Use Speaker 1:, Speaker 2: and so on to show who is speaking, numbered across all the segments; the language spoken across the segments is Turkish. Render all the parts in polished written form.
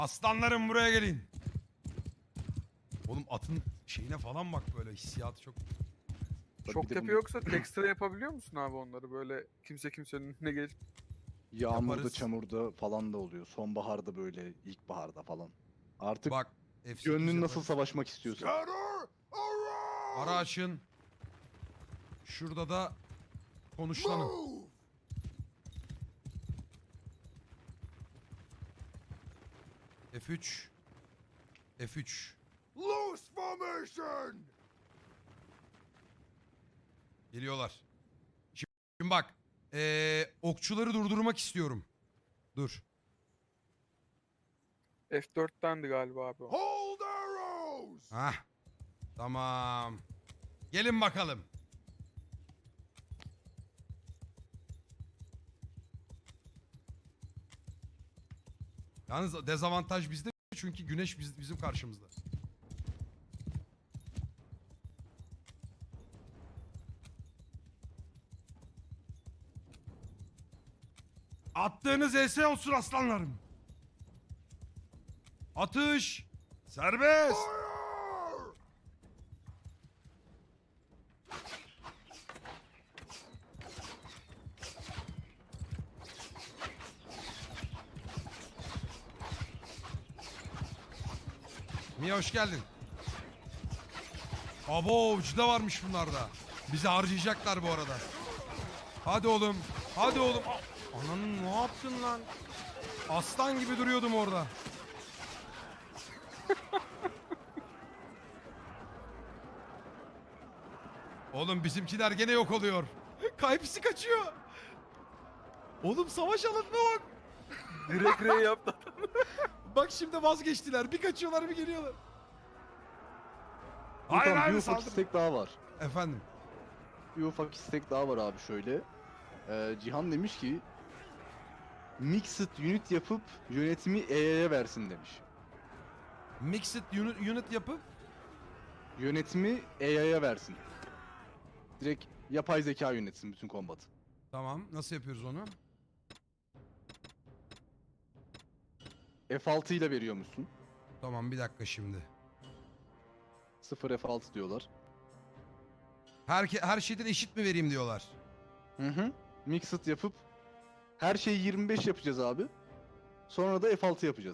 Speaker 1: Aslanlarım buraya gelin. Oğlum atın şeyine falan bak, böyle hissiyatı çok.
Speaker 2: Çok tepe yoksa tekstra yapabiliyor musun abi onları, böyle kimse kimsenin önüne gelip?
Speaker 3: Yağmurda,
Speaker 1: Yaparız.
Speaker 3: çamurda falan da oluyor. Sonbaharda böyle, ilkbaharda falan. Artık
Speaker 1: Bak F8
Speaker 3: gönlün nasıl
Speaker 1: yaparız.
Speaker 3: savaşmak istiyorsa.
Speaker 1: Ara açın. Şurada da konuşlanın. F3. F3.
Speaker 4: Loose formation.
Speaker 1: Geliyorlar. Şimdi bak. Okçuları durdurmak istiyorum. Dur.
Speaker 2: F4'tendi galiba abi o.
Speaker 4: Hold arrows.
Speaker 1: Hah. Tamam. Gelin bakalım. Yalnız dezavantaj bizde çünkü güneş bizim karşımızda. Attığınız ES olsun aslanlarım. Atış. Serbest.
Speaker 4: Fire.
Speaker 1: Mia hoş geldin. Abo ucu da varmış bunlarda. Bizi harcayacaklar bu arada. Hadi oğlum. Hadi oğlum. Ananın ne yaptın lan? Aslan gibi duruyordum orada. Oğlum bizimkiler gene yok oluyor. Kaypisi kaçıyor. Oğlum savaş alanına bak.
Speaker 2: Direkt R yaptı.
Speaker 1: Bak şimdi vazgeçtiler. Bir kaçıyorlar bir geliyorlar. Hayır
Speaker 3: Furkan, bir
Speaker 1: hayır
Speaker 3: ufak
Speaker 1: saldır.
Speaker 3: istek daha var.
Speaker 1: Efendim.
Speaker 3: Bir ufak istek daha var abi şöyle. Cihan demiş ki Mixed unit yapıp yönetimi EA'ya versin demiş.
Speaker 1: Mixed unit yapıp
Speaker 3: Yönetimi EA'ya versin. Direkt yapay zeka yönetsin bütün kombatı.
Speaker 1: tamam, nasıl yapıyoruz onu?
Speaker 3: F6 ile veriyormuşsun.
Speaker 1: Tamam bir dakika şimdi.
Speaker 3: 0 F6 diyorlar.
Speaker 1: Her şeyden eşit mi vereyim diyorlar.
Speaker 3: Hı hı. Mixed yapıp her şeyi 25 yapacağız abi. Sonra da F6 yapacağız.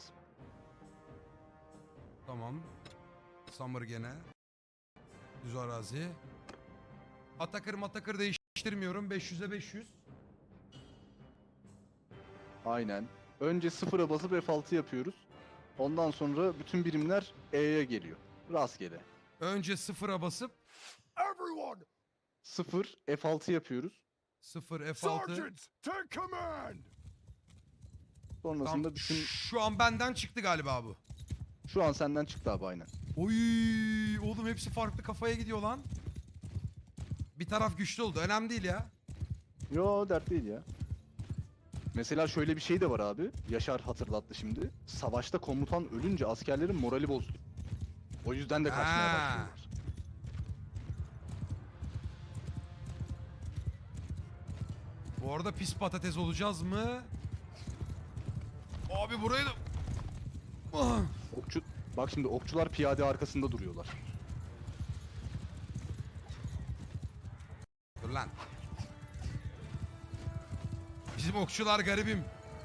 Speaker 1: Tamam. Summer gene. Düz arazi. Atakır değiştirmiyorum. 500'e 500.
Speaker 3: Aynen. Önce 0'a basıp F6 yapıyoruz. Ondan sonra bütün birimler E'ye geliyor. Rastgele.
Speaker 1: Önce sıfıra basıp
Speaker 4: Everyone.
Speaker 3: 0 F6 yapıyoruz.
Speaker 1: 0 F6.
Speaker 4: Sergeants, take command.
Speaker 3: Sonrasında
Speaker 1: Tamam.
Speaker 3: bütün...
Speaker 1: Şu an benden çıktı galiba bu.
Speaker 3: Şu an senden çıktı abi aynen.
Speaker 1: Oy, oğlum hepsi farklı kafaya gidiyor lan. Bir taraf güçlü oldu. Önemli değil ya.
Speaker 3: Yo, dert değil ya. Mesela şöyle bir şey de var abi. Yaşar hatırlattı şimdi. Savaşta komutan ölünce askerlerin morali bozuluyor. O yüzden de kaçmaya
Speaker 1: Ha.
Speaker 3: başlıyorlar.
Speaker 1: Bu arada pis patates olacağız mı? Abi burayı da... Ah.
Speaker 3: Okçu... Bak şimdi okçular piyade arkasında duruyorlar.
Speaker 1: Dur lan. Bizim okçular garibim.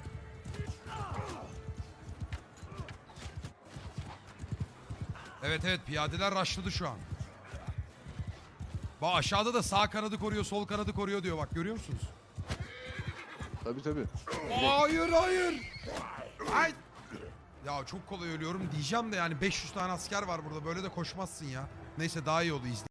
Speaker 1: Evet piyadeler rushladı şu an. Bak aşağıda da sağ kanadı koruyor, sol kanadı koruyor diyor. Bak görüyor musunuz?
Speaker 3: Tabii tabii.
Speaker 1: Hayır. Ay. Ya çok kolay ölüyorum diyeceğim de yani 500 tane asker var burada. Böyle de koşmazsın ya. Neyse daha iyi oldu, izle.